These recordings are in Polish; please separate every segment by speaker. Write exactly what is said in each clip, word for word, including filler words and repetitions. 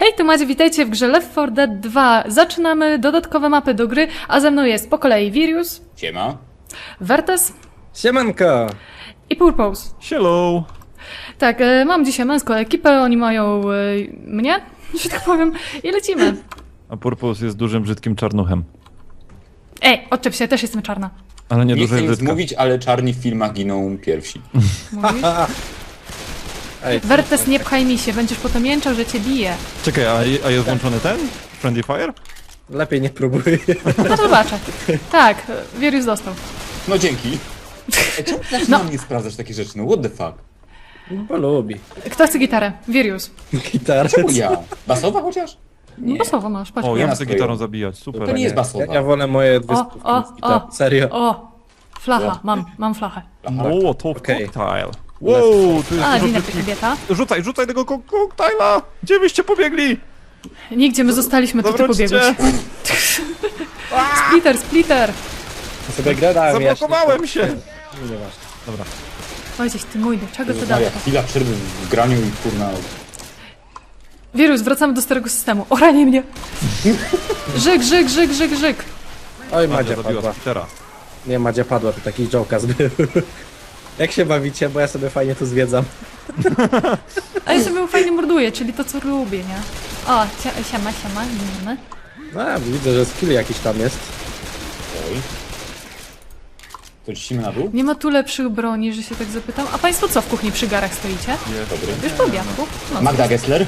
Speaker 1: Hej, tu Macie, witajcie w grze Left four Dead dwa. Zaczynamy dodatkowe mapy do gry, a ze mną jest po kolei Virius,
Speaker 2: Siema.
Speaker 1: Vertes
Speaker 3: Siemanko!
Speaker 1: i Purpose.
Speaker 4: Hello!
Speaker 1: Tak, e, mam dzisiaj męską ekipę, oni mają e, mnie, że tak powiem, i lecimy.
Speaker 4: A Purpose jest dużym, brzydkim czarnuchem.
Speaker 1: Ej, odczep się, też jestem czarna.
Speaker 4: Ale nie
Speaker 2: Nie chcę
Speaker 4: dużej
Speaker 2: nic
Speaker 4: brzydka.
Speaker 2: mówić, ale czarni w filmach giną pierwsi.
Speaker 1: Mówisz?
Speaker 3: Ej,
Speaker 1: Vertes, nie pchaj mi się, będziesz potem jęczał, że cię bije.
Speaker 4: Czekaj, a, a jest włączony ten? Friendly Fire?
Speaker 3: lepiej nie próbuj.
Speaker 1: No zobaczę. Tak, e, Virius dostał.
Speaker 2: No dzięki. Ej, czemu ty
Speaker 1: No.
Speaker 2: na mnie sprawdzasz takie rzeczy? No what the fuck?
Speaker 3: Bo lubi.
Speaker 1: Kto chce gitarę? Virius.
Speaker 3: Gitarę.
Speaker 2: Czemu ja? Basowa chociaż?
Speaker 1: No to słowo masz, patrz.
Speaker 4: O, ja
Speaker 2: Ja
Speaker 4: muszę
Speaker 2: nastroję.
Speaker 4: gitarą zabijać, super.
Speaker 2: To nie jest
Speaker 3: Ja,
Speaker 2: basowa.
Speaker 3: ja wolę moje dwie
Speaker 1: O,
Speaker 3: stówki
Speaker 1: o,
Speaker 3: z gitar.
Speaker 1: o.
Speaker 3: Serio.
Speaker 1: O, flacha, mam, mam flachę.
Speaker 4: Mołotow
Speaker 3: Okej.
Speaker 4: cocktail. Wow, tu jest
Speaker 1: A,
Speaker 4: dużo
Speaker 1: dzień dobry,
Speaker 4: brzydkich...
Speaker 1: kobieta.
Speaker 4: Rzucaj, rzucaj tego ko koktajla! Gdzie wyście pobiegli?
Speaker 1: Nigdzie my zostaliśmy, to ty
Speaker 4: Zawróćcie!
Speaker 1: pobiegłeś. Splitter, splitter!
Speaker 3: Sobie gadałem
Speaker 4: Zablokowałem się!
Speaker 3: Nieważne.
Speaker 4: Dobra.
Speaker 1: Ojciec, ty mój, do czego to
Speaker 2: Maria,
Speaker 1: dało?
Speaker 2: chwila przerwy w graniu i kurna...
Speaker 1: Wirus, wracamy do starego systemu. O, ranie mnie! Żyk, żyk, żyk, żyk, żyk!
Speaker 3: Oj,
Speaker 4: Madzia
Speaker 3: Madzia
Speaker 4: zabiła
Speaker 3: padła.
Speaker 4: Spittera.
Speaker 3: Nie, Madzia padła, to taki jołkaz był. Jak się bawicie, bo ja sobie fajnie tu zwiedzam.
Speaker 1: A ja sobie fajnie morduję, czyli to, co lubię, nie? O, sia- siema, siema, nie
Speaker 3: No, widzę, że skill jakiś tam jest.
Speaker 2: Oj. To cisimy na dół?
Speaker 1: Nie ma tu lepszych broni, że się tak zapytam. A państwo co w kuchni przy garach stoicie?
Speaker 2: Dobry.
Speaker 1: Już po obiadku? No.
Speaker 2: Magda Gessler?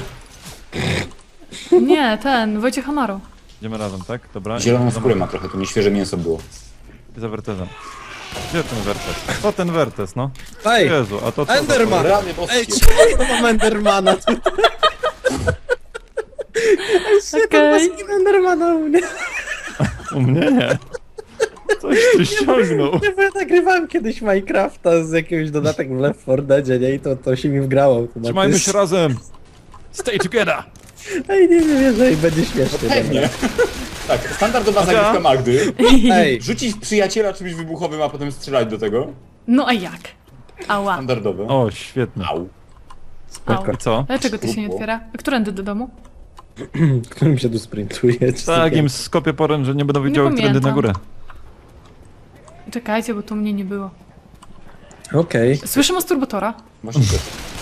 Speaker 1: Nie, ten, Wojciech Amaro.
Speaker 4: Idziemy razem, tak? Dobra.
Speaker 2: Zieloną
Speaker 4: Za-
Speaker 2: skórę ma trochę, to nieświeże mięso było.
Speaker 4: Za Vertesem. Gdzie ten Vertes? Co ten Vertes, no?
Speaker 3: Ej!
Speaker 4: Jezu, a to co?
Speaker 3: Enderman!
Speaker 2: Rany boskie.
Speaker 3: Ej, czemu ja mam Endermana tu? Ej,
Speaker 1: Okej.
Speaker 3: okay. Endermana u mnie.
Speaker 4: U mnie nie. Coś tu ściągnął.
Speaker 3: Nie, bo ja nagrywałem kiedyś Minecrafta z jakiegoś dodatek w Left four Deadzie, nie? I to, to się mi wgrało automatycznie.
Speaker 4: Trzymajmy się razem! Stay together!
Speaker 3: Ej, nie wiem, że będzie śmiesznie.
Speaker 2: Pewnie. Tak, standardowa
Speaker 4: Madzia?
Speaker 2: zagrywka Magdy.
Speaker 3: Ej,
Speaker 2: Rzucić w przyjaciela czymś wybuchowym, a potem strzelać do tego.
Speaker 1: No a jak? Ała.
Speaker 2: Standardowe.
Speaker 4: O, świetnie.
Speaker 2: Au.
Speaker 1: Au.
Speaker 4: I co?
Speaker 1: Dlaczego ty się nie otwiera? A którędy do domu?
Speaker 3: którym się tu sprintuje? czy
Speaker 4: Tak,
Speaker 3: sobie-
Speaker 4: im skopię porę, że nie będą
Speaker 1: Nie
Speaker 4: wiedziały, którędy na
Speaker 1: pamiętam.
Speaker 4: górę.
Speaker 1: Czekajcie, bo tu mnie nie było.
Speaker 3: Okej.
Speaker 1: Słyszę masturbatora.
Speaker 2: Właśnie to.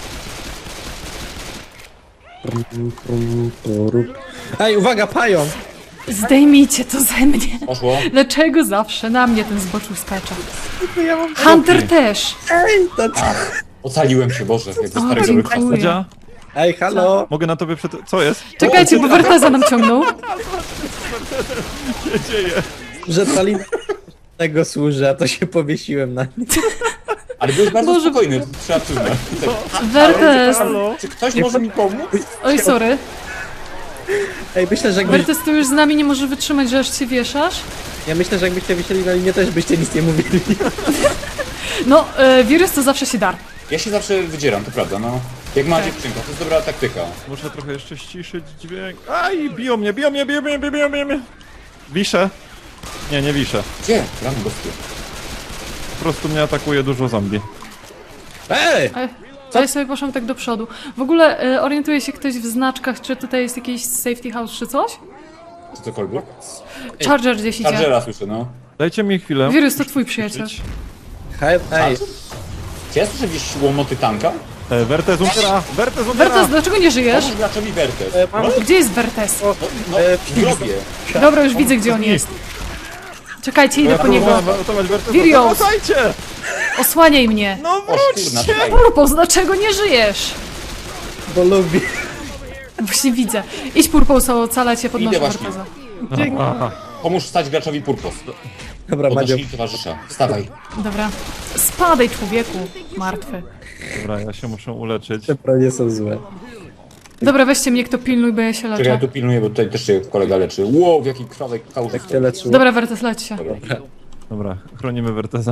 Speaker 3: Ej, uwaga, pająk!
Speaker 1: Zdejmijcie to ze mnie.
Speaker 2: Poszło.
Speaker 1: Dlaczego zawsze na mnie ten zboczu skacza?
Speaker 3: Ja mam...
Speaker 1: Hunter też!
Speaker 3: Ej, to...
Speaker 2: Ocaliłem się, Boże, jak ze
Speaker 1: O,
Speaker 2: starych dobrych
Speaker 1: dziękuję.
Speaker 2: czasów.
Speaker 4: Madzia,
Speaker 3: Ej, halo!
Speaker 4: mogę na tobie przed... Co jest?
Speaker 1: Czekajcie, bo Verteza nam ciągnął.
Speaker 4: Co się dzieje?
Speaker 3: Że Talin tego służy, a to się powiesiłem na nim.
Speaker 2: Ale byłeś bardzo
Speaker 1: Boże.
Speaker 2: spokojny, to trzeba przyznać. Tak.
Speaker 1: Vertes!
Speaker 4: Halo?
Speaker 2: Czy ktoś może mi pomóc?
Speaker 1: Oj, sorry.
Speaker 3: Ej, myślę, że jakbyś...
Speaker 1: Vertes, ty już z nami nie może wytrzymać, że aż się wieszasz?
Speaker 3: Ja myślę, że jakbyście wisieli na linie, też byście nic nie mówili.
Speaker 1: No, e, wirus to zawsze się dar.
Speaker 2: Ja się zawsze wydzieram, to prawda, no. Jak ma
Speaker 1: Tak.
Speaker 2: dziewczynka, to jest dobra taktyka.
Speaker 4: Muszę trochę jeszcze ściszyć dźwięk. Aj, biją mnie, biją mnie, biją mnie, biją mnie, biją mnie. Wiszę. Nie, nie wiszę.
Speaker 2: Gdzie? Rany boskie.
Speaker 4: Po prostu mnie atakuje dużo zombie.
Speaker 3: Ej!
Speaker 1: E, to ja sobie poszłam tak do przodu. W ogóle e, orientuje się ktoś w znaczkach, czy tutaj jest jakiś safety house, czy coś?
Speaker 2: Czy cokolwiek?
Speaker 1: Charger gdzieś idzie.
Speaker 2: Chargera słyszę, no.
Speaker 4: Dajcie mi chwilę.
Speaker 1: Wirus to twój przyjaciel.
Speaker 3: Hej, ej!
Speaker 2: Czy ja słyszę gdzieś łomoty tanka?
Speaker 4: E, Vertes umiera! Vertes umiera!
Speaker 1: Vertes, dlaczego nie żyjesz?
Speaker 2: Pomóż graczowi Vertes.
Speaker 3: E, mam...
Speaker 1: Gdzie jest Vertes?
Speaker 2: No, no
Speaker 3: e,
Speaker 2: w grobie.
Speaker 1: Dobra, już widzę, gdzie on jest. Czekajcie, idę po niego.
Speaker 4: Uratować Vertesa.
Speaker 1: Virios!
Speaker 4: Pomagajcie!
Speaker 1: Osłaniaj mnie.
Speaker 4: No
Speaker 2: O kurna,
Speaker 4: wróćcie!
Speaker 2: tutaj.
Speaker 1: Purpose, dlaczego nie żyjesz?
Speaker 3: Bo lubi.
Speaker 1: Właśnie widzę. Idź Purpose, ocalać cię, podnoszę
Speaker 2: Idę właśnie.
Speaker 1: Verteza.
Speaker 4: Aha.
Speaker 2: Pomóż wstać graczowi Purpos.
Speaker 3: Dobra, Madzio.
Speaker 2: Podnośnij towarzysza. Wstawaj.
Speaker 1: Dobra. Spadaj, człowieku. Martwy.
Speaker 4: Dobra, ja się muszę uleczyć.
Speaker 3: Te bronie są złe.
Speaker 1: Dobra, weźcie mnie, kto pilnuj, bo ja się
Speaker 2: Czekaj, ja
Speaker 1: leczę.
Speaker 2: tu pilnuję, bo tutaj też się kolega leczy. Wow, w jaki krwawek kałuż.
Speaker 3: Tak cię leczyło.
Speaker 1: Dobra, Vertes, leć się.
Speaker 4: Dobra, chronimy Vertesa.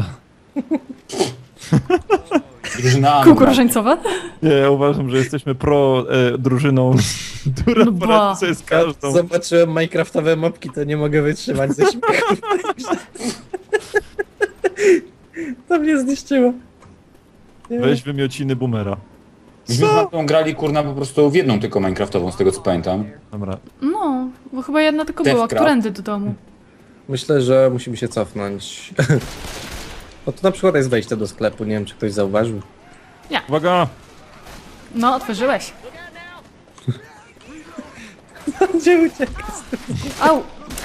Speaker 2: Drużyna.
Speaker 1: Kółko różańcowe?
Speaker 4: Nie, ja uważam, że jesteśmy pro e, drużyną, która
Speaker 1: No
Speaker 4: no
Speaker 1: ba.
Speaker 4: poradzi sobie z każdą.
Speaker 3: Zobaczyłem minecraftowe mopki, to nie mogę wytrzymać ze śmiechu. To mnie zniszczyło. Nie
Speaker 4: Weź wymiociny boomera.
Speaker 2: Myśmy z Martą grali kurna po prostu w jedną tylko Minecraftową, z tego co pamiętam.
Speaker 4: Dobra.
Speaker 1: No, bo chyba jedna tylko była,
Speaker 2: Devcraft.
Speaker 1: którędy do domu.
Speaker 3: Myślę, że musimy się cofnąć. No to na przykład jest wejście do sklepu, nie wiem czy ktoś zauważył.
Speaker 4: Uwaga!
Speaker 1: No, otworzyłeś.
Speaker 3: Gdzie ucieka?
Speaker 1: Au!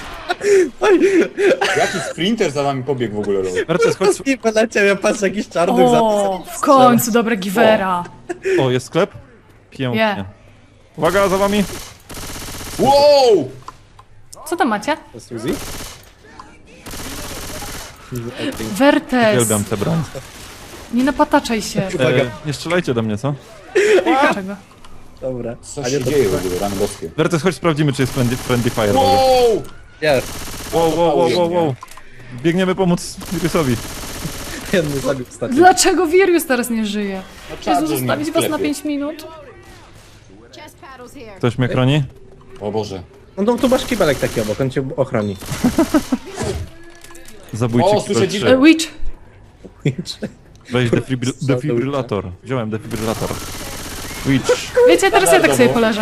Speaker 2: Jaki sprinter za wami pobiegł w ogóle? Robert?
Speaker 4: Wertes, chodź.
Speaker 3: I poleciał, ja patrzę jakiś czarny
Speaker 1: O, w końcu, dobre Givera.
Speaker 4: O, jest sklep? Pięknie.
Speaker 1: Nie.
Speaker 4: Uwaga, za wami!
Speaker 2: Wow!
Speaker 1: Co tam macie?
Speaker 3: za Suzy?
Speaker 1: Wertes,
Speaker 4: Uwielbiam tę broń.
Speaker 1: nie napataczaj się.
Speaker 3: Uwaga.
Speaker 4: E, nie strzelajcie do mnie, co?
Speaker 1: Dlaczego?
Speaker 3: Dobra.
Speaker 2: Co
Speaker 3: A
Speaker 2: się
Speaker 3: nie, to-
Speaker 2: dzieje w ogóle, rany boskie?
Speaker 4: Wertes, chodź sprawdzimy, czy jest friendly, friendly fire. Wow.
Speaker 2: Wow!
Speaker 3: Jest.
Speaker 4: wow, wow, wow, wow, wow. Biegniemy pomóc Virusowi.
Speaker 3: Jedny zabił ostatni.
Speaker 1: Dlaczego Virius teraz nie żyje?
Speaker 2: No, czas,
Speaker 1: Jezu,
Speaker 2: żeby
Speaker 1: zostawić
Speaker 2: mnie
Speaker 1: was na
Speaker 2: sklepie.
Speaker 1: pięć minut?
Speaker 5: Chest paddles here.
Speaker 4: Ktoś mnie chroni?
Speaker 2: O Boże.
Speaker 3: No to tu masz kibelek taki obok, on cię ochroni.
Speaker 4: Zabójcie
Speaker 2: O, słyszę
Speaker 4: kibel
Speaker 1: E,
Speaker 4: trzy.
Speaker 1: Witch,
Speaker 4: Weź defibryl defibrylator. Wziąłem defibrylator. Witch.
Speaker 1: wiecie, teraz ja tak sobie poleżę.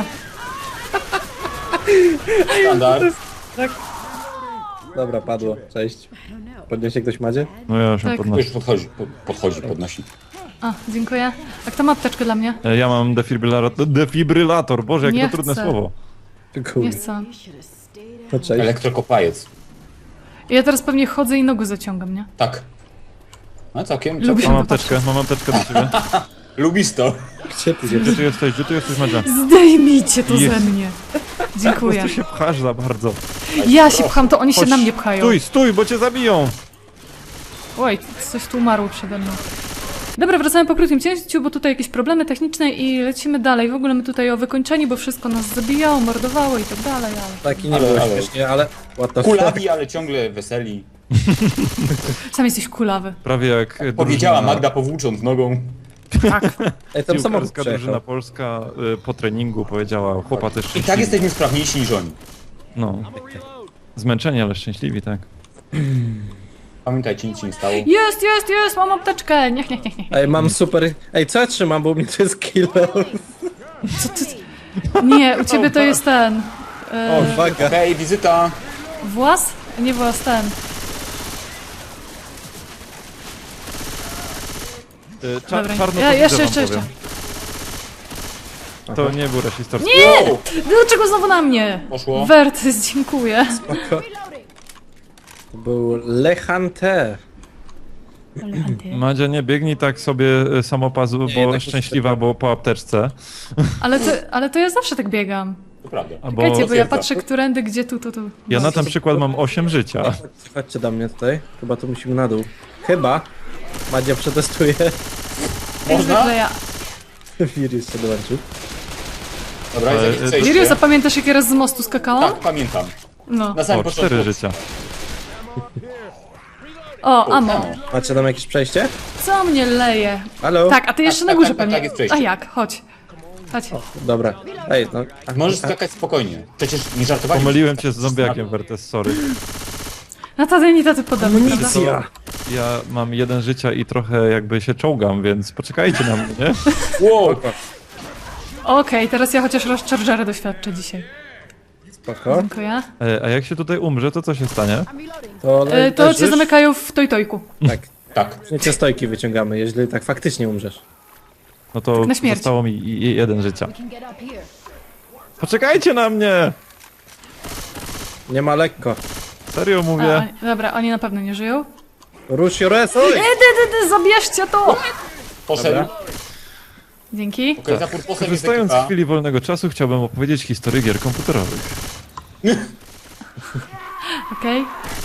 Speaker 2: Standard.
Speaker 3: Dobra, padło. Cześć. Podniesie ktoś Madzie?
Speaker 4: No ja się
Speaker 1: Tak.
Speaker 4: podnoszę.
Speaker 2: Już podchodzi, po- podchodzi, podnosi.
Speaker 1: A, dziękuję. A kto ma apteczkę dla mnie?
Speaker 4: E, Ja mam defibrylator. Defibrylator, Boże, jakie
Speaker 1: Nie
Speaker 4: to trudne
Speaker 1: chcę.
Speaker 4: słowo.
Speaker 1: Nie
Speaker 3: Kurde.
Speaker 1: chcę.
Speaker 3: No cześć.
Speaker 2: Elektrokopajec.
Speaker 1: Ja teraz pewnie chodzę i nogę zaciągam, nie?
Speaker 2: Tak. No całkiem,
Speaker 1: Lubię.
Speaker 2: całkiem.
Speaker 4: Mam apteczkę, mam apteczkę do ciebie.
Speaker 2: Lubisz to.
Speaker 3: Gdzie ty się...
Speaker 4: Gdzie ty jesteś? Gdzie ty jesteś, Madzia?
Speaker 1: Zdejmijcie to
Speaker 4: Jest.
Speaker 1: ze mnie.
Speaker 4: Po
Speaker 1: Dziękuję.
Speaker 4: prostu się pchasz za bardzo.
Speaker 1: Ja się pcham, to oni się
Speaker 4: Chodź,
Speaker 1: na mnie pchają.
Speaker 4: Stój, stój, bo cię zabiją!
Speaker 1: Oj, coś tu umarło przede mną. Dobra, wracamy po krótkim cięciu, bo tutaj jakieś problemy techniczne i lecimy dalej. W ogóle my tutaj o wykończeniu, bo wszystko nas zabijało, mordowało i tak dalej, ale...
Speaker 3: Taki nie
Speaker 2: Ale-
Speaker 3: było
Speaker 2: ale-
Speaker 3: śmiesznie, ale... What the fuck?
Speaker 2: Kulawi, ale ciągle weseli.
Speaker 1: Sam jesteś kulawy.
Speaker 4: Prawie jak e,
Speaker 2: Powiedziała
Speaker 4: drużyna-
Speaker 2: Magda powłócząc nogą.
Speaker 1: Tak.
Speaker 3: Ej, tam samochód
Speaker 4: Piłkarska drużyna
Speaker 3: przejechał.
Speaker 4: polska y, po treningu powiedziała, chłopa też
Speaker 2: I
Speaker 4: szczęśliwi.
Speaker 2: tak jesteśmy sprawniejsi niż oni.
Speaker 4: No. Zmęczeni, ale szczęśliwi, tak.
Speaker 2: Pamiętajcie, nic się nie stało.
Speaker 1: Jest, jest, jest, mam apteczkę. Niech, niech, niech, niech.
Speaker 3: Ej, mam super... Ej, co ja trzymam, bo u mnie to jest kilo.
Speaker 1: Co ty... Nie, u ciebie to jest ten...
Speaker 3: O,
Speaker 1: E,
Speaker 3: uwaga.
Speaker 2: Okej, wizyta.
Speaker 1: włas? Nie włas, ten.
Speaker 4: Y, cza
Speaker 1: Dobra.
Speaker 4: czarno
Speaker 1: Ja,
Speaker 4: to
Speaker 1: jeszcze,
Speaker 4: widzę,
Speaker 1: jeszcze,
Speaker 4: wam
Speaker 1: jeszcze.
Speaker 4: powiem. To nie był rasistowski.
Speaker 2: Wow!
Speaker 1: Dlaczego znowu na mnie?
Speaker 2: Poszło.
Speaker 1: Wertys, dziękuję.
Speaker 3: To był Le Hunter.
Speaker 4: Madzia, nie biegnij tak sobie y, samopazu, bo
Speaker 3: jednak
Speaker 4: szczęśliwa, bo po apteczce.
Speaker 1: Ale to, ale to ja zawsze tak biegam.
Speaker 2: To prawda.
Speaker 4: Albo
Speaker 1: Czekajcie, bo ja
Speaker 2: potwierdza.
Speaker 1: patrzę, którędy, gdzie tu, tu, tu.
Speaker 4: ja na ten przykład mam osiem życia.
Speaker 3: Chodźcie do mnie tutaj. Chyba tu musimy na dół. Chyba. Madzia przetestuje.
Speaker 1: Jak
Speaker 2: Można?
Speaker 1: zwykle ja.
Speaker 3: Wirus się dołączył.
Speaker 2: Dobra, jest
Speaker 4: Ale-
Speaker 2: jakieś
Speaker 1: Lirio,
Speaker 2: przejście.
Speaker 1: zapamiętasz, jak ja raz z mostu skakałam?
Speaker 2: Tak, pamiętam.
Speaker 1: No.
Speaker 2: Na samym
Speaker 4: O, cztery
Speaker 2: początku.
Speaker 4: życia.
Speaker 1: O, amo.
Speaker 2: Amo.
Speaker 3: Macie tam jakieś przejście?
Speaker 1: Co mnie leje?
Speaker 3: Halo?
Speaker 1: Tak, a ty jeszcze
Speaker 2: tak,
Speaker 1: na górze
Speaker 2: tak, tak,
Speaker 1: pewnie.
Speaker 2: tak, jest przejście.
Speaker 1: A jak? Chodź. Chodź.
Speaker 3: Dobra. Ej, no... a-
Speaker 2: Możesz
Speaker 3: a-
Speaker 2: skakać spokojnie. Przecież nie żartowali.
Speaker 4: Pomyliłem cię z zombiakiem, Wertes, sorry.
Speaker 1: Na taty nie taty podobny, prawda?
Speaker 3: Amunicja!
Speaker 4: Ja mam jeden życia i trochę jakby się czołgam, więc poczekajcie na mnie, nie?
Speaker 2: Wow!
Speaker 1: Okej, teraz ja chociaż raz Chargera doświadczę dzisiaj.
Speaker 3: Spoko.
Speaker 1: Dziękuję.
Speaker 4: E, a jak się tutaj umrze, to co się stanie?
Speaker 3: To, le-
Speaker 1: E, to cię
Speaker 3: leżysz?
Speaker 1: zamykają w tojtojku.
Speaker 3: Tak.
Speaker 2: Tak.
Speaker 3: Nie stojki wyciągamy, jeżeli tak faktycznie umrzesz.
Speaker 4: No to
Speaker 1: na śmierć.
Speaker 4: zostało mi i- i jeden życia.
Speaker 5: Can get up here.
Speaker 4: Poczekajcie na mnie!
Speaker 3: Nie ma lekko.
Speaker 4: Serio
Speaker 1: A,
Speaker 4: mówię.
Speaker 1: oni, dobra, oni na pewno nie żyją.
Speaker 3: Rush your ass! Oj!
Speaker 1: E, dy, dy, dy, zabierzcie to!
Speaker 2: Poszedł.
Speaker 3: Dobra.
Speaker 1: Dzięki.
Speaker 2: Okej, za purposem jest
Speaker 4: Korzystając z
Speaker 2: ekipa.
Speaker 4: chwili wolnego czasu, chciałbym opowiedzieć historię gier komputerowych.
Speaker 1: Okej.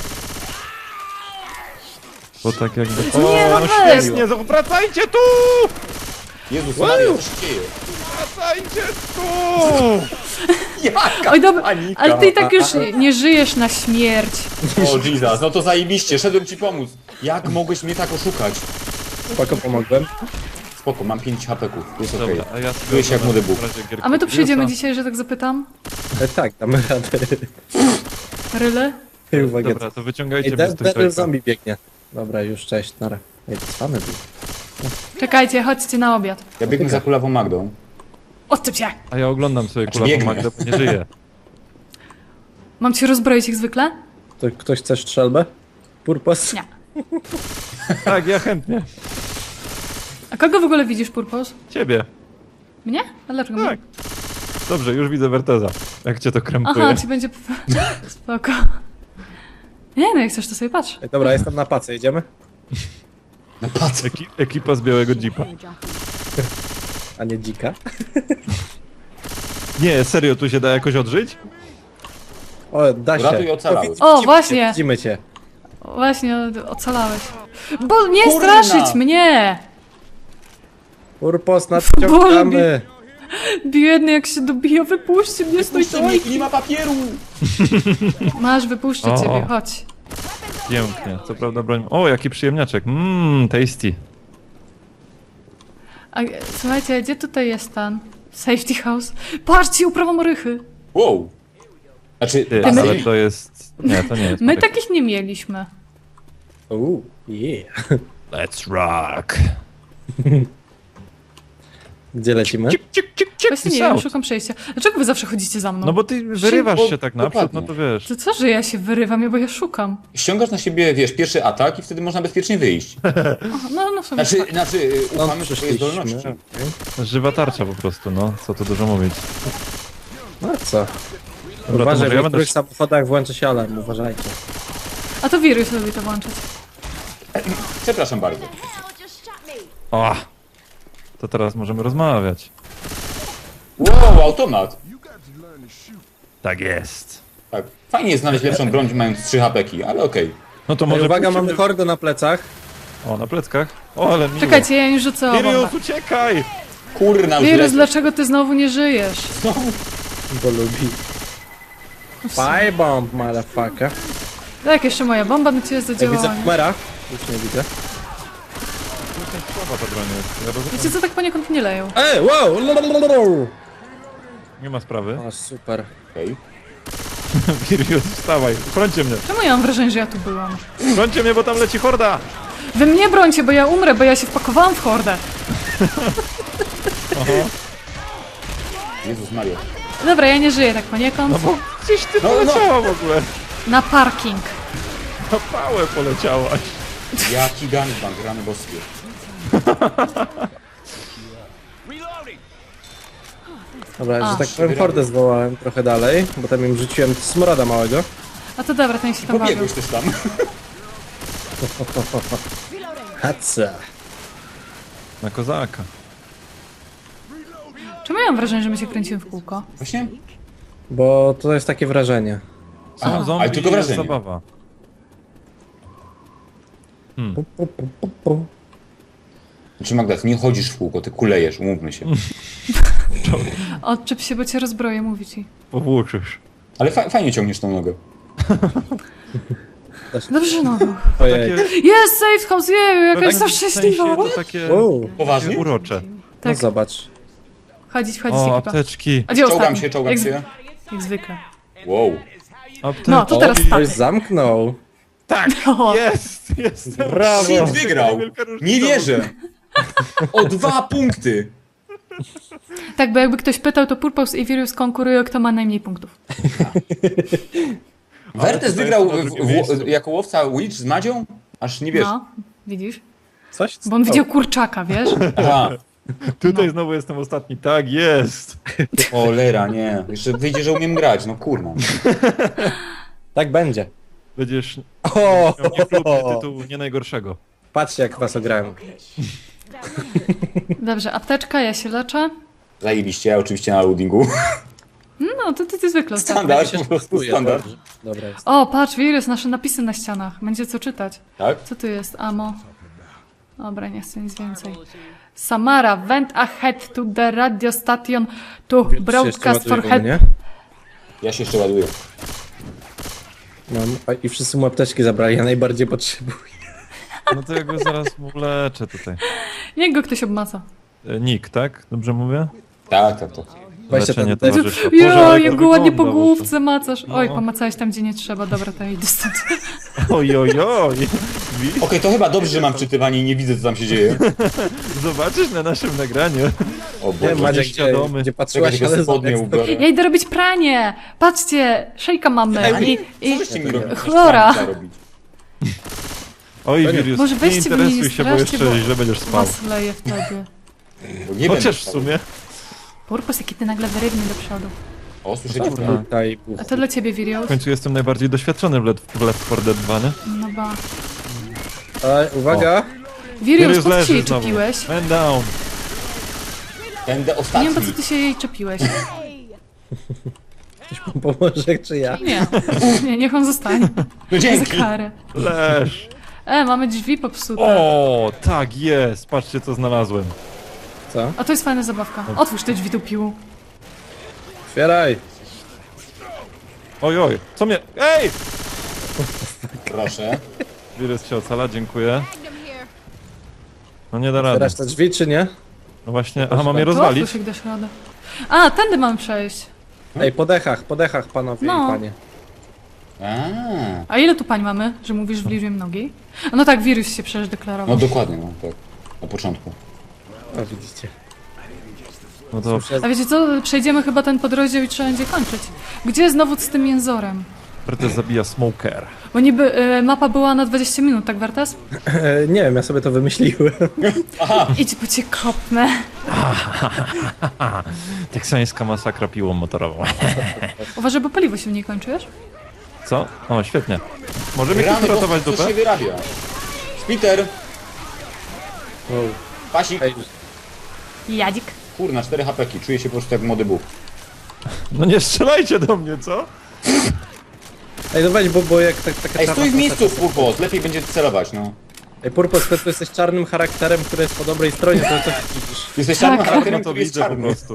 Speaker 4: Bo tak jakby...
Speaker 1: Nie, no
Speaker 4: no
Speaker 1: weź!
Speaker 4: świetnie, wracajcie tu!
Speaker 2: Jezus Maria, co się dzieje?
Speaker 4: Wracajcie tu!
Speaker 2: Jaka
Speaker 1: Oj, dobra,
Speaker 2: panika.
Speaker 1: ale ty i tak już nie żyjesz na śmierć.
Speaker 2: O Jesus, no to zajebiście, szedłem ci pomóc. Jak mogłeś mnie tak oszukać?
Speaker 3: Spoko, pomogłem.
Speaker 2: Spoko, mam pięć hapeków, jest okej.
Speaker 4: Dobra, a ja sobie
Speaker 2: Czuję się jak
Speaker 4: oglądam
Speaker 2: młody Bóg.
Speaker 4: w razie gier
Speaker 1: A my tu przyjdziemy
Speaker 4: Wirusa.
Speaker 1: dzisiaj, że tak zapytam.
Speaker 3: E, tak, damy radę.
Speaker 1: Ryle?
Speaker 3: Ej, uwaga.
Speaker 4: Dobra, to wyciągajcie
Speaker 3: Ej,
Speaker 4: mnie z
Speaker 3: ten,
Speaker 4: tej
Speaker 3: ten zombie biegnie. Dobra, już cześć, nara. Ej, to same był.
Speaker 1: Czekajcie, chodźcie na obiad.
Speaker 2: Ja biegnę za kulawą Magdą.
Speaker 1: Odczep się!
Speaker 4: A ja oglądam sobie
Speaker 2: Znaczy,
Speaker 4: kulawą
Speaker 2: biegnę.
Speaker 4: Magdę, bo nie żyję.
Speaker 1: Mam cię rozbroić jak zwykle?
Speaker 3: To ktoś chce strzelbę? Purpos?
Speaker 1: Nie.
Speaker 4: Tak, ja chętnie.
Speaker 1: A kogo w ogóle widzisz, Purpos?
Speaker 4: Ciebie.
Speaker 1: Mnie? A dlaczego
Speaker 4: Tak.
Speaker 1: mnie?
Speaker 4: Dobrze, już widzę Werteza. Jak cię to krępuje.
Speaker 1: Aha, ci będzie... Spoko. Nie no, jak chcesz, to sobie patrz.
Speaker 3: Ej, dobra, jestem na pace, idziemy?
Speaker 2: No patrz.
Speaker 4: Eki ekipa z białego jeepa.
Speaker 3: A nie dzika?
Speaker 4: Nie, serio, tu się da jakoś odżyć?
Speaker 3: O, da się.
Speaker 2: Ratuj ocalały.
Speaker 3: widzimy
Speaker 1: O,
Speaker 3: cię,
Speaker 1: właśnie.
Speaker 3: Widzimy cię.
Speaker 1: Właśnie, ocalałeś. Bo nie
Speaker 2: Kurna!
Speaker 1: straszyć mnie!
Speaker 3: Purpos, nadciągamy.
Speaker 1: Biedny, jak się dobija, wypuśćcie mnie z tej
Speaker 2: Puśćcie mnie,
Speaker 1: dojki.
Speaker 2: nie ma papieru!
Speaker 1: Masz, wypuszczę
Speaker 4: O.
Speaker 1: ciebie, chodź.
Speaker 4: Pięknie, co prawda broń... O, jaki przyjemniaczek. Mmm, tasty.
Speaker 1: A, słuchajcie, gdzie tutaj jest ten safety house? Patrzcie, uprawa morychy.
Speaker 2: Wow. Znaczy,
Speaker 4: Ty,
Speaker 2: basen.
Speaker 4: ale to jest... Nie, to nie jest.
Speaker 1: My
Speaker 4: moryka.
Speaker 1: takich nie mieliśmy.
Speaker 3: Uuu, yeah.
Speaker 4: Let's rock.
Speaker 3: Gdzie lecimy?
Speaker 4: Cik, cik, cik, cik,
Speaker 1: Właśnie nie wiem, szukam przejścia. Dlaczego wy zawsze chodzicie za mną?
Speaker 4: No bo ty wyrywasz
Speaker 2: bo-
Speaker 4: się tak naprzód,
Speaker 2: dokładnie.
Speaker 4: no to wiesz.
Speaker 1: To co, że ja się wyrywam, bo ja szukam.
Speaker 2: Ściągasz na siebie, wiesz, pierwszy atak i wtedy można bezpiecznie wyjść.
Speaker 1: Aha, no, no w sumie
Speaker 2: Znaczy,
Speaker 1: tak.
Speaker 2: znaczy y,
Speaker 3: No,
Speaker 2: ufamy w twojej
Speaker 3: przyszliśmy.
Speaker 2: zdolności.
Speaker 4: Żywa tarcza po prostu, no. Co tu dużo mówić.
Speaker 3: No co?
Speaker 4: Dobra, to
Speaker 3: Uważaj,
Speaker 4: może
Speaker 3: w
Speaker 4: ja będę...
Speaker 3: niektórych samochodach włączy się alarm, uważajcie.
Speaker 1: A to wirus lubi to włączać.
Speaker 2: Przepraszam bardzo.
Speaker 5: Hell just shot me.
Speaker 4: O! To teraz możemy rozmawiać.
Speaker 2: Wow, automat.
Speaker 4: Tak jest.
Speaker 2: Tak. Fajnie jest znaleźć lepszą broń, mając trzy hapeki, ale okej.
Speaker 4: No to
Speaker 3: Ej,
Speaker 4: może
Speaker 3: uwaga,
Speaker 4: pójdziemy-
Speaker 3: mamy hordę na plecach.
Speaker 4: O, na pleckach. O, ale miło.
Speaker 1: Czekajcie, ja im rzucę o bombę.
Speaker 4: Sirius, uciekaj!
Speaker 2: Kurna, już
Speaker 1: Wirus,
Speaker 2: lecę.
Speaker 1: dlaczego ty znowu nie żyjesz?
Speaker 3: Bo lubi. Fire bomb, motherfucker.
Speaker 1: Tak, jeszcze moja bomba na ciebie
Speaker 3: Ja widzę
Speaker 1: zadziałała.
Speaker 3: Boomera. Już nie widzę.
Speaker 4: Słaba ta broń jest. Ja rozumiem.
Speaker 1: Wiecie co, tak poniekąd nie leją.
Speaker 3: Ej, wow! lalalala.
Speaker 4: Nie ma sprawy.
Speaker 3: O, super.
Speaker 2: Okej.
Speaker 4: Sirius, wstawaj. Chrońcie mnie.
Speaker 1: Czemu ja mam wrażenie, że ja tu byłam?
Speaker 4: Chrońcie mnie, bo tam leci horda!
Speaker 1: Wy mnie brońcie, bo ja umrę, bo ja się wpakowałam w hordę.
Speaker 2: Jezus Mario.
Speaker 1: Dobra, ja nie żyję tak poniekąd.
Speaker 4: No bo gdzieś ty
Speaker 2: No,
Speaker 4: poleciała w ogóle.
Speaker 1: Na parking.
Speaker 4: Na pałę poleciałaś.
Speaker 2: Jaki gangbang, rany boskie.
Speaker 3: Dobra,
Speaker 1: A.
Speaker 3: że tak powiem, hordę zwołałem trochę dalej, bo tam im rzuciłem smroda małego.
Speaker 1: A to dobra, ten się tam bawił.
Speaker 2: Pobiegłeś też tam.
Speaker 3: Hatsa.
Speaker 4: Na kozaka.
Speaker 1: Czemu ja mam wrażenie, że my się kręcimy w kółko?
Speaker 2: Właśnie?
Speaker 3: Bo to jest takie wrażenie.
Speaker 4: Są
Speaker 2: A,
Speaker 4: zombie
Speaker 2: ale tylko
Speaker 4: i jest
Speaker 2: wrażenie.
Speaker 4: zabawa.
Speaker 3: Pu, pu, pu, pu, pu.
Speaker 2: Znaczy Magda, ty nie chodzisz w kółko, ty kulejesz, umówmy się.
Speaker 1: Odczep się, bo cię rozbroję, mówi ci.
Speaker 4: Powłóczysz.
Speaker 2: Ale fa fajnie ciągniesz tą nogę.
Speaker 1: Dobrze, no.
Speaker 3: Ojej.
Speaker 1: Jest safe house, jeju, jaka jestem
Speaker 4: W sensie
Speaker 1: szczęśliwa.
Speaker 4: to takie
Speaker 3: Wow.
Speaker 2: Poważnie?
Speaker 4: urocze.
Speaker 3: No
Speaker 1: Tak,
Speaker 3: zobacz.
Speaker 1: chodzić, wchodzić
Speaker 4: O,
Speaker 1: ekipa.
Speaker 4: apteczki.
Speaker 1: A gdzie
Speaker 2: Czołgam
Speaker 1: ostatni?
Speaker 2: się, czołgam
Speaker 1: jak, z-
Speaker 2: się.
Speaker 1: jak zwykle.
Speaker 2: Wow.
Speaker 4: Apteczki.
Speaker 1: No, to
Speaker 3: O,
Speaker 1: teraz
Speaker 3: ktoś
Speaker 1: tak.
Speaker 3: zamknął.
Speaker 4: Tak,
Speaker 1: O.
Speaker 4: jest, jest.
Speaker 3: Brawo.
Speaker 2: Shit, wygrał! Nie wierzę! O dwa punkty!
Speaker 1: Tak, bo jakby ktoś pytał, to Purpose i Virus konkurują, kto ma najmniej punktów.
Speaker 2: Wertes
Speaker 4: to
Speaker 2: wygrał
Speaker 4: jest na
Speaker 2: w,
Speaker 4: drugim
Speaker 2: w,
Speaker 4: miejscu.
Speaker 2: jako łowca Witch z Madzią? Aż nie wiesz.
Speaker 1: No, widzisz?
Speaker 3: Coś?
Speaker 1: Bo on widział kurczaka, wiesz?
Speaker 2: Aha.
Speaker 4: Tutaj znowu jestem ostatni. Tak, jest.
Speaker 2: Cholera, nie. Jeszcze wyjdzie, że umiem grać, no kurna.
Speaker 3: Tak będzie.
Speaker 4: Będziesz
Speaker 3: O,
Speaker 4: miał niechlubny tytuł nie najgorszego.
Speaker 3: patrzcie jak was ograłem.
Speaker 1: Dobrze, apteczka, ja się leczę.
Speaker 2: Zajebiście, ja oczywiście na loadingu.
Speaker 1: No, to ty, ty zwykle.
Speaker 2: Standard, po prostu
Speaker 3: Próbuję,
Speaker 2: standard.
Speaker 3: dobrze. Dobra jest.
Speaker 1: O, patrz, Virus, nasze napisy na ścianach. Będzie co czytać.
Speaker 2: Tak?
Speaker 1: Co tu jest? Amo. Dobra, nie chcę nic więcej. Samara, went ahead to the radio station to broadcast for help.
Speaker 3: Nie?
Speaker 2: Ja się jeszcze ładuję.
Speaker 3: Mam. A, i wszyscy mu apteczki zabrali, ja najbardziej potrzebuję.
Speaker 4: No to ja go zaraz mu leczę tutaj.
Speaker 1: Niech go ktoś obmaca.
Speaker 4: E, Nick, tak? Dobrze mówię?
Speaker 2: Tak, tak, tak.
Speaker 3: Weźcie
Speaker 4: Leczenie
Speaker 3: ten
Speaker 4: towarzysza.
Speaker 1: Jo,
Speaker 4: Boże, ale
Speaker 1: jak
Speaker 4: to
Speaker 1: go ładnie po
Speaker 4: wygląda,
Speaker 1: główce macasz. Oj,
Speaker 4: No.
Speaker 1: pomacałeś tam, gdzie nie trzeba. Dobra, to ja idę stąd.
Speaker 4: Oj, oj, oj. Widzisz?
Speaker 2: Okej, to chyba dobrze, że mam czytywanie i nie widzę, co tam się dzieje.
Speaker 4: Zobaczysz na naszym nagraniu.
Speaker 2: O
Speaker 3: Nie,
Speaker 2: Boże.
Speaker 3: Maciek,
Speaker 4: nieświadomy.
Speaker 3: gdzie, gdzie
Speaker 2: Czekaj,
Speaker 3: patrzyłaś,
Speaker 2: tylko
Speaker 3: ale
Speaker 2: spodnie
Speaker 3: zobacz,
Speaker 2: ubiorę.
Speaker 1: Ja idę robić pranie! Patrzcie, szejka mamy.
Speaker 2: Ej,
Speaker 1: I, i...
Speaker 2: co żeście mi robili?
Speaker 1: Chlora.
Speaker 2: Trzeba robić.
Speaker 4: Oj,
Speaker 3: To nie-
Speaker 4: Wirius,
Speaker 1: Może
Speaker 4: nie
Speaker 1: weźcie mnie,
Speaker 4: interesuj
Speaker 1: nie
Speaker 4: się, bo
Speaker 1: straszcie,
Speaker 4: jeszcze
Speaker 1: bo-
Speaker 4: źle będziesz spał.
Speaker 1: Was leje wtedy.
Speaker 2: Bo nie
Speaker 4: Chociaż
Speaker 2: będę
Speaker 4: w
Speaker 2: spał.
Speaker 4: sumie.
Speaker 1: Purpos, jaki ty nagle wyrywny do przodu.
Speaker 2: O, słyszycie?
Speaker 3: Tutaj,
Speaker 1: A to dla ciebie,
Speaker 4: W
Speaker 1: Virios?
Speaker 4: końcu jestem najbardziej doświadczony w Left, w Left four Dead dwa, nie?
Speaker 1: No ba.
Speaker 3: Ej, uwaga!
Speaker 1: Virios, po co się
Speaker 4: leży
Speaker 1: jej
Speaker 4: znowu.
Speaker 1: czepiłeś?
Speaker 4: Man down.
Speaker 2: Będę
Speaker 1: Nie
Speaker 2: ostatni.
Speaker 1: wiem, po co ty się jej czepiłeś.
Speaker 3: Pomoże, czy ja?
Speaker 1: Nie, nie, niech on zostanie.
Speaker 2: No
Speaker 1: Za
Speaker 2: dzięki.
Speaker 1: karę.
Speaker 4: Leż.
Speaker 1: E, mamy drzwi popsute.
Speaker 4: O, tak jest. Patrzcie, co znalazłem.
Speaker 3: Co?
Speaker 1: A to jest fajna zabawka. Otwórz te drzwi do piłu.
Speaker 3: Otwieraj!
Speaker 4: Oj, oj. Co mnie... Ej!
Speaker 2: Proszę.
Speaker 4: Wirus się ocala, dziękuję.
Speaker 5: Magnum here.
Speaker 4: No nie da rady.
Speaker 3: Otwierasz te drzwi, czy nie?
Speaker 4: No właśnie, aha, mam je
Speaker 1: To
Speaker 4: rozwalić?
Speaker 1: otwórz ich dasz radę. A, tędy mamy przejść.
Speaker 3: Ej, po dechach, po dechach, panowie
Speaker 1: No.
Speaker 3: i panie.
Speaker 2: A,
Speaker 1: A ile tu pań mamy, że mówisz w liczbie mnogiej? A no tak, wirus się przecież deklarował.
Speaker 2: no dokładnie, no tak. Na początku.
Speaker 3: O, widzicie.
Speaker 4: No to
Speaker 1: A wiecie co, przejdziemy chyba ten podrozdział i trzeba będzie kończyć. Gdzie znowu z tym jęzorem?
Speaker 4: Wertes zabija Smoker.
Speaker 1: Bo niby y, mapa była na dwadzieścia minut, tak Wertes?
Speaker 3: E, nie wiem, ja sobie to wymyśliłem.
Speaker 1: Idź, bo cię kopnę.
Speaker 4: Teksańska masakra piłą motorową.
Speaker 1: Uważaj, bo paliwo się w niej kończy, wiesz?
Speaker 4: Co? O, świetnie. Może mi
Speaker 2: Rany,
Speaker 4: ktoś uratować
Speaker 2: bo coś
Speaker 4: dupę?
Speaker 2: się wyrabia. Spiter,
Speaker 3: O,
Speaker 2: pasik.
Speaker 3: ej,
Speaker 1: Jadzik.
Speaker 2: Kurna, cztery hapeki. Czuję się po prostu jak młody Bóg.
Speaker 4: No nie strzelajcie do mnie, co?
Speaker 3: ej, no weź, bo, bo jak tak, taka
Speaker 2: Ej,
Speaker 3: czarna
Speaker 2: stój w miejscu,
Speaker 3: postać-
Speaker 2: Purpos. Lepiej będzie celować, no.
Speaker 3: Ej, Purpos, ty tu jesteś czarnym charakterem, który jest po dobrej stronie, to co widzisz?
Speaker 2: Jesteś
Speaker 1: Tak.
Speaker 2: czarnym
Speaker 4: No
Speaker 2: charakterem,
Speaker 4: to
Speaker 2: który jest
Speaker 4: widzę po
Speaker 2: czarny.
Speaker 4: prostu.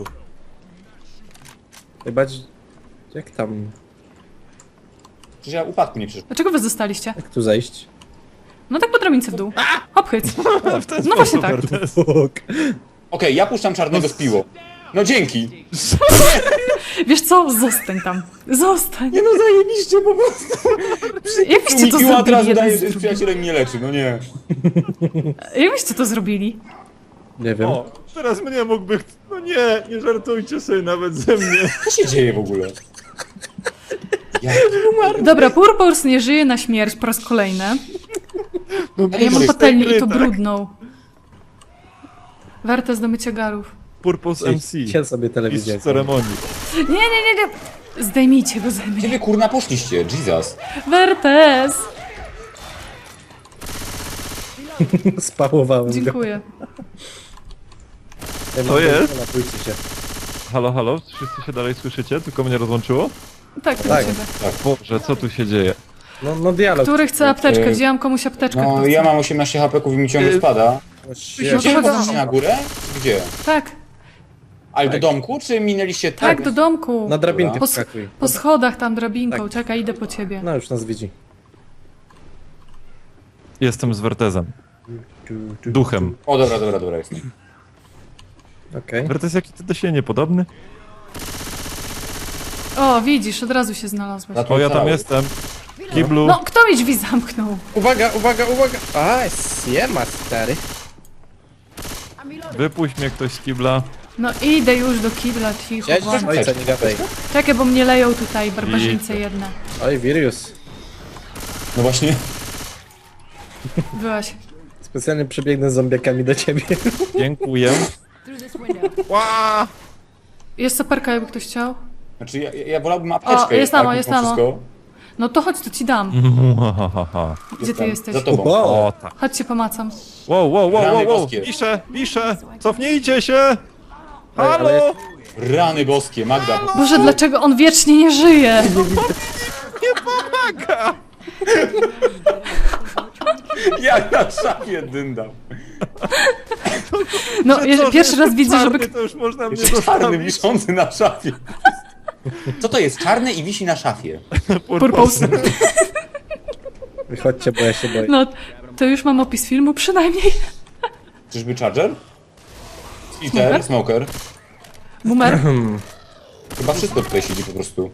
Speaker 3: Ej, bacz... Jak tam...
Speaker 2: Przecież ja upadku nie przyszłem.
Speaker 1: Dlaczego wy zostaliście?
Speaker 3: Jak tu zejść?
Speaker 1: No tak po drabince w dół. Hop, hyc.
Speaker 4: W ten
Speaker 1: No właśnie
Speaker 4: sposób,
Speaker 1: tak.
Speaker 4: Wertes.
Speaker 3: Fuk.
Speaker 2: Okej, ja puszczam czarnego z piło. No dzięki.
Speaker 1: Wiesz co? Zostań tam. Zostań.
Speaker 2: Nie no, zajebiście po prostu.
Speaker 1: Jak byście
Speaker 2: Mi
Speaker 1: to
Speaker 2: piła od
Speaker 1: zrobili
Speaker 2: razu
Speaker 1: jeden
Speaker 2: daje,
Speaker 1: z
Speaker 2: że z
Speaker 1: drugim?
Speaker 2: przyjacielem nie leczy, no nie.
Speaker 1: Jak byście to zrobili?
Speaker 3: Nie wiem.
Speaker 4: O, teraz mnie mógłby... ch- No nie, nie żartujcie sobie nawet ze mnie.
Speaker 2: Co się dzieje w ogóle? Ja...
Speaker 1: Dobra, Purpurs nie żyje na śmierć po raz kolejny. A ja mam
Speaker 2: Ej,
Speaker 1: patelnię i to
Speaker 4: tak.
Speaker 1: brudną. Wertes do mycia garów.
Speaker 4: Purpose M C.
Speaker 3: Siedź sobie telewizję.
Speaker 4: Mistrz ceremonii.
Speaker 1: Nie, nie, nie, nie. Zdejmijcie go ze
Speaker 2: Gdzie
Speaker 1: mnie.
Speaker 2: wy kurna poszliście? Jesus.
Speaker 1: Wertes!
Speaker 3: Spałowałem go.
Speaker 1: Dziękuję.
Speaker 3: Ja
Speaker 4: To
Speaker 3: mam-
Speaker 4: jest?
Speaker 3: Napójcie się.
Speaker 4: Halo, halo? Wszyscy się dalej słyszycie? Tylko mnie rozłączyło?
Speaker 1: Tak, to
Speaker 3: Tak.
Speaker 1: do ciebie.
Speaker 4: Boże, co tu się dzieje?
Speaker 3: No, no dialog.
Speaker 1: Który chce apteczkę?
Speaker 2: Yy,
Speaker 1: Wzięłam komuś apteczkę.
Speaker 2: No,
Speaker 1: kto chce.
Speaker 2: ja mam osiemnaście hapeków i mi ciągle spada.
Speaker 3: O,
Speaker 1: No
Speaker 3: shit.
Speaker 1: to
Speaker 2: Gdzie
Speaker 1: chodź.
Speaker 2: poszliście na górę? Gdzie?
Speaker 1: Tak,
Speaker 2: Ale do domku, czy minęliście
Speaker 1: tak, do domku.
Speaker 3: Na drabinkę
Speaker 1: Po,
Speaker 3: wskakuj.
Speaker 1: po schodach tam drabinką.
Speaker 3: Tak.
Speaker 1: Czekaj, idę po ciebie.
Speaker 3: No już nas widzi.
Speaker 4: Jestem z Wertezem. Duchem.
Speaker 2: O, dobra, dobra, dobra, jestem.
Speaker 3: Okej.
Speaker 4: Wertes, jaki ty do siebie niepodobny?
Speaker 1: O, widzisz, od razu się znalazłeś.
Speaker 2: Za to
Speaker 4: O, ja tam
Speaker 2: cały.
Speaker 4: jestem. Kiblu.
Speaker 1: No, kto mi drzwi zamknął?
Speaker 3: Uwaga, uwaga, uwaga! A, siema, stary.
Speaker 5: I'm reloading.
Speaker 4: Wypuść mnie ktoś z kibla.
Speaker 1: No idę już do kibla, cicho.
Speaker 3: Siedź,
Speaker 1: błagam.
Speaker 3: ojca, nie gadaj.
Speaker 1: Czekaj, bo mnie leją tutaj barbarzyńce jedne.
Speaker 3: Oj, Virius.
Speaker 2: No właśnie.
Speaker 1: Byłaś.
Speaker 3: Specjalnie przebiegnę z zombiakami do ciebie.
Speaker 4: Dziękuję.
Speaker 5: Through this window.
Speaker 4: Ła!
Speaker 1: Jest soperka, jakby ktoś chciał.
Speaker 2: Znaczy, ja, ja wolałbym apteczkę.
Speaker 1: O, jest
Speaker 2: tak,
Speaker 1: tam, o,
Speaker 2: mimo
Speaker 1: jest tam, o.
Speaker 2: wszystko.
Speaker 1: No to chodź, to ci dam.
Speaker 4: Muahaha.
Speaker 1: Gdzie ty
Speaker 2: Jestem
Speaker 1: jesteś?
Speaker 2: Za tobą.
Speaker 3: Wow.
Speaker 4: O, tak.
Speaker 1: Chodź cię pomacam.
Speaker 4: Wow, wow, wow,
Speaker 2: Rany
Speaker 4: wow, wow.
Speaker 2: boskie.
Speaker 4: Piszę, piszę. Cofnijcie się.
Speaker 3: ale
Speaker 4: Halo!
Speaker 2: Rany boskie, Magda.
Speaker 1: Boże, dlaczego on wiecznie nie żyje?
Speaker 4: Nie pomaga!
Speaker 2: Jak na szafie dyndam.
Speaker 1: No,
Speaker 4: Że
Speaker 1: je-
Speaker 4: co,
Speaker 1: pierwszy
Speaker 4: że
Speaker 1: raz widzę,
Speaker 4: czarny,
Speaker 1: żeby...
Speaker 4: to już można mnie
Speaker 2: Jeszcze czarny,
Speaker 4: zostawić.
Speaker 2: wiszący na szafie. Co to jest? Czarny i wisi na szafie.
Speaker 1: Purpose.
Speaker 3: Wychodźcie, bo ja się boję.
Speaker 1: No, to już mam opis filmu przynajmniej.
Speaker 2: Czyżby Charger? Splitter, Smoker.
Speaker 1: Boomer.
Speaker 2: Chyba wszystko tutaj siedzi po prostu.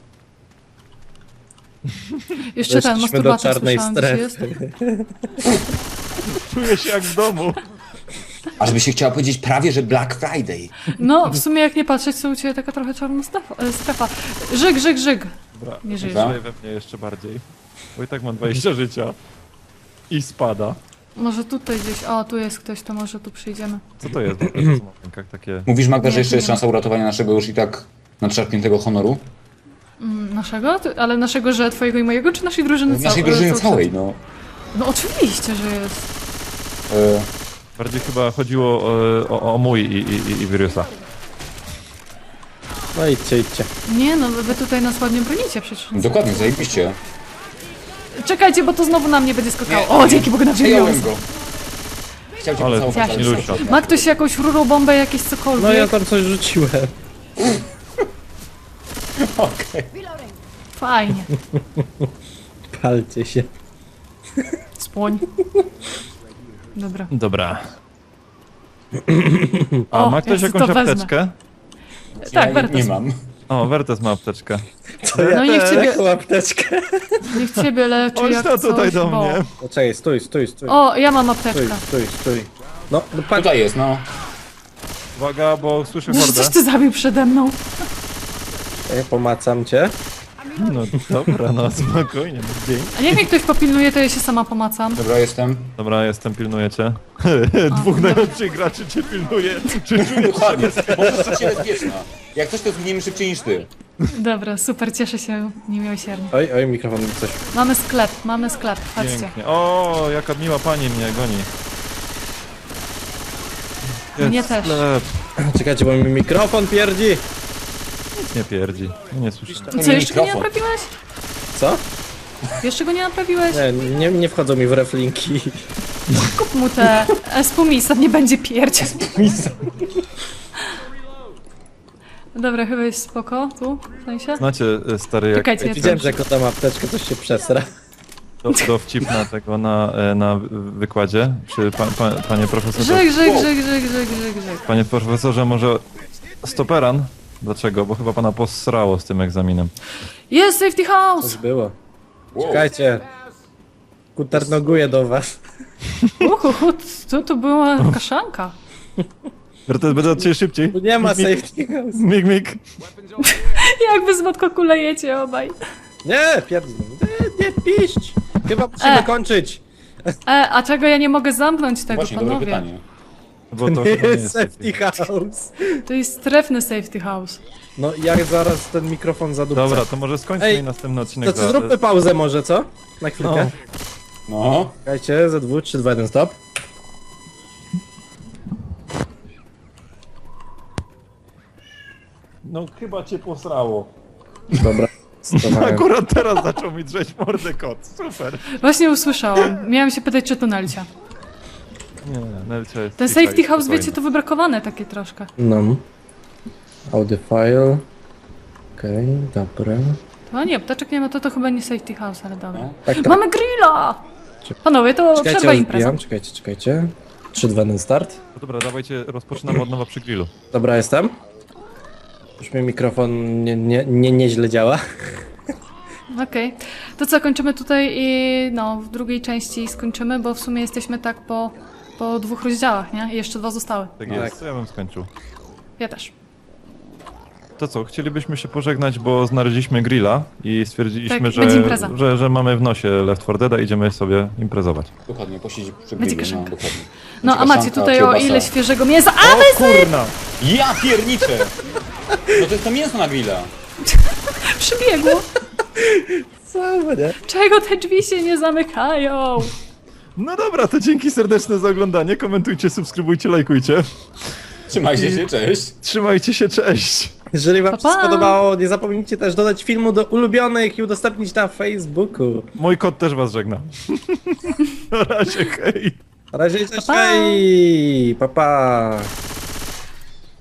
Speaker 1: Jeszcze ten,
Speaker 3: Weszliśmy do
Speaker 1: masturbator
Speaker 3: czarnej
Speaker 1: słyszałam, gdzieś jest.
Speaker 3: strefy.
Speaker 4: Czuję się jak w domu.
Speaker 2: Aż by się chciała powiedzieć prawie, że Black Friday.
Speaker 1: No, w sumie jak nie patrzeć, to u ciebie taka trochę czarna strefa. e, strefa. Żyg, żyg, żyg.
Speaker 4: Dobra,
Speaker 1: Nie żyjesz.
Speaker 2: Dobra.
Speaker 4: żyje we mnie jeszcze bardziej. Bo i tak mam dwadzieścia życia. I spada.
Speaker 1: Może tutaj gdzieś, o, tu jest ktoś, to może tu przyjdziemy.
Speaker 4: Co to jest? Co mam w rękach takie...
Speaker 2: Mówisz, Magda, że
Speaker 1: Nie,
Speaker 2: jeszcze jest
Speaker 1: nie ma.
Speaker 2: szansa uratowania naszego już i tak nadszarpniętego honoru?
Speaker 1: Mm, naszego? Ty- Ale naszego, że twojego i mojego, czy naszej drużyny
Speaker 2: W naszej
Speaker 1: cał-
Speaker 2: drużynie
Speaker 1: cał-
Speaker 2: całej, no.
Speaker 1: No oczywiście, że jest.
Speaker 2: E,
Speaker 4: Bardziej chyba chodziło o, o, o mój i, i, i, i Virusa.
Speaker 3: No idźcie, idźcie.
Speaker 1: Nie no, wy wy tutaj nas ładnie bronicie przecież.
Speaker 2: dokładnie, zajebiście.
Speaker 1: Czekajcie, bo to znowu na mnie będzie skakało.
Speaker 2: Nie,
Speaker 1: O,
Speaker 2: nie.
Speaker 1: dzięki Bogu na
Speaker 2: Przejąłem go. Chciał cię
Speaker 4: Ale
Speaker 2: pocałować, ale
Speaker 4: Nilusia.
Speaker 2: sorry.
Speaker 1: Ma ktoś jakąś rurą bombę, jakieś cokolwiek?
Speaker 3: No ja tam coś rzuciłem.
Speaker 2: Okej.
Speaker 5: Reloading.
Speaker 1: Fajnie.
Speaker 3: Palcie się.
Speaker 1: Spłoń. Dobra.
Speaker 4: Dobra. A
Speaker 1: O,
Speaker 4: ma ktoś
Speaker 1: ja
Speaker 4: jakąś
Speaker 1: to wezmę.
Speaker 4: apteczkę?
Speaker 1: Tak,
Speaker 2: Ja
Speaker 1: Wertes.
Speaker 2: nie mam.
Speaker 4: O, Wertes ma apteczkę.
Speaker 3: To ja
Speaker 1: No niech
Speaker 3: też
Speaker 1: ciebie-
Speaker 3: taką apteczkę.
Speaker 1: Niech ciebie leczy
Speaker 4: Chodź
Speaker 1: jak
Speaker 4: to tutaj
Speaker 1: coś,
Speaker 4: do
Speaker 1: bo...
Speaker 4: mnie.
Speaker 3: Poczekaj, stój, stój, stój.
Speaker 1: O, ja mam
Speaker 3: Stój,
Speaker 1: apteczkę.
Speaker 3: stój, stój. No, no patrz.
Speaker 2: Tutaj jest, no.
Speaker 4: Uwaga, bo słyszę
Speaker 1: Coś
Speaker 4: hordę.
Speaker 1: ty zabił przede mną.
Speaker 3: Ja pomacam cię.
Speaker 4: No dobra, no spokojnie, no dzień.
Speaker 1: A niech mnie ktoś popilnuje, to ja się sama pomacam.
Speaker 2: Dobra, jestem.
Speaker 4: Dobra, jestem, pilnuję cię. Dwóch najlepszych graczy cię pilnuje. Czy
Speaker 2: Dokładnie, bo jesteś bezpieczna. Jak coś, to zginiemy szybciej niż ty.
Speaker 1: Dobra, super, cieszę się niemiłosiernie.
Speaker 3: Oj, oj, mikrofon mi coś.
Speaker 1: Mamy sklep, mamy sklep, patrzcie.
Speaker 4: pięknie. O, jaka miła pani mnie goni.
Speaker 1: Mnie
Speaker 4: Jest
Speaker 1: też.
Speaker 4: Sklep.
Speaker 3: Czekajcie, bo mi mikrofon pierdzi.
Speaker 4: Nic nie pierdzi. No nie słyszę.
Speaker 1: Co, jeszcze go nie
Speaker 2: mikrofon.
Speaker 1: naprawiłeś?
Speaker 3: Co?
Speaker 1: Jeszcze go nie naprawiłeś?
Speaker 3: Nie, nie, nie wchodzą mi w reflinki.
Speaker 1: Kup mu te espumisa, nie będzie pierdzieć. Dobra, chyba jest spoko, tu, w sensie.
Speaker 4: Znacie, e, stary, jak
Speaker 1: Czekajcie, ja
Speaker 3: Widziałem,
Speaker 1: to...
Speaker 3: że jak oddam apteczkę, coś się przesra.
Speaker 4: do, dowcip na tego, na, e, na wykładzie. Czy pa, pa, panie profesorze,
Speaker 1: Żyg, żyg, żyg, żyg, żyg, żyg, żyg.
Speaker 4: panie profesorze, może stoperan? Dlaczego? Bo chyba pana posrało z tym egzaminem.
Speaker 1: Jest safety house!
Speaker 3: Coś było.
Speaker 2: Wow.
Speaker 3: Czekajcie. Kuternoguję do was.
Speaker 1: Uhu, co to była kaszanka?
Speaker 4: Wertes, będę od ciebie szybciej.
Speaker 3: Tu nie ma safety house.
Speaker 4: Mig, mig.
Speaker 1: Jak wy z kulejecie obaj.
Speaker 3: Nie, pierdolę. Nie, nie piść. Chyba musimy
Speaker 1: E.
Speaker 3: kończyć.
Speaker 1: E, a czego ja nie mogę zamknąć tego,
Speaker 2: Właśnie, dobre
Speaker 1: panowie?
Speaker 2: pytanie.
Speaker 4: Bo to
Speaker 3: Nie
Speaker 4: chyba nie
Speaker 3: jest
Speaker 4: jest
Speaker 3: safety house.
Speaker 1: To jest strefny safety house.
Speaker 3: No jak zaraz ten mikrofon zadupcę.
Speaker 4: Dobra, to może skończmy
Speaker 3: Ej,
Speaker 4: i następny odcinek
Speaker 3: To co, zróbmy pauzę może, co? Na chwilkę.
Speaker 4: No.
Speaker 2: No.
Speaker 3: Czekajcie, ze dwóch, trzy, dwa, jeden, stop.
Speaker 4: No chyba cię posrało.
Speaker 3: Dobra. stopowałem.
Speaker 4: Akurat teraz zaczął mi drzeć mordę kot. Super.
Speaker 1: Właśnie usłyszałam. Miałam się pytać, czy to Nelcia.
Speaker 4: Nie, Nelcia jest
Speaker 1: Ten
Speaker 4: cicha
Speaker 1: safety
Speaker 4: i
Speaker 1: house,
Speaker 4: spokojna.
Speaker 1: wiecie, to wybrakowane takie troszkę.
Speaker 3: No. Audio file. Okej, dobra.
Speaker 1: No nie, ptaczek nie ma, to to chyba nie safety house, ale dobra.
Speaker 3: Tak, tak.
Speaker 1: Mamy grilla! Panowie, to
Speaker 3: Czekajcie,
Speaker 1: przerwa impreza.
Speaker 3: rozbijam. Czekajcie, czekajcie. trzy, dwa, jeden, start.
Speaker 4: No dobra, dawajcie, rozpoczynamy od nowa przy grillu.
Speaker 3: Dobra, jestem. Już mi mikrofon nie, nie, nie, nieźle działa.
Speaker 1: Okej. To co, kończymy tutaj i no, w drugiej części skończymy, bo w sumie jesteśmy tak po, po dwóch rozdziałach, nie? I jeszcze dwa zostały.
Speaker 4: Tak
Speaker 3: No
Speaker 4: jest,
Speaker 3: tak.
Speaker 4: to ja bym skończył.
Speaker 1: Ja też.
Speaker 4: To co, chcielibyśmy się pożegnać, bo znaleźliśmy grilla i stwierdziliśmy,
Speaker 1: Tak, będzie
Speaker 4: że,
Speaker 1: impreza.
Speaker 4: że, że mamy w nosie Left four Dead, idziemy sobie imprezować.
Speaker 2: Dokładnie, posiedzieć przy
Speaker 1: Będzie
Speaker 2: grillu, no
Speaker 1: kaszanka.
Speaker 2: dokładnie.
Speaker 1: No
Speaker 2: Będzie
Speaker 1: a macie
Speaker 2: kaszanka,
Speaker 1: tutaj o
Speaker 2: kiełbasa.
Speaker 1: ile świeżego mięsa. A
Speaker 4: O kurna!
Speaker 2: Ja pierniczę! No to jest to mięso na grilla.
Speaker 1: przybiegło!
Speaker 3: Co, nie?
Speaker 1: Czego te drzwi się nie zamykają?
Speaker 4: No dobra, to dzięki serdeczne za oglądanie, komentujcie, subskrybujcie, lajkujcie.
Speaker 2: Trzymajcie się, cześć.
Speaker 4: Trzymajcie się, cześć!
Speaker 3: Jeżeli wam
Speaker 1: Pa,
Speaker 3: się
Speaker 1: pa.
Speaker 3: spodobało, nie zapomnijcie też dodać filmu do ulubionych i udostępnić na Facebooku.
Speaker 4: Mój kot też was żegna. Na razie, hej!
Speaker 3: Na razie, cześć,
Speaker 1: Pa, pa.
Speaker 3: hej! Pa, pa!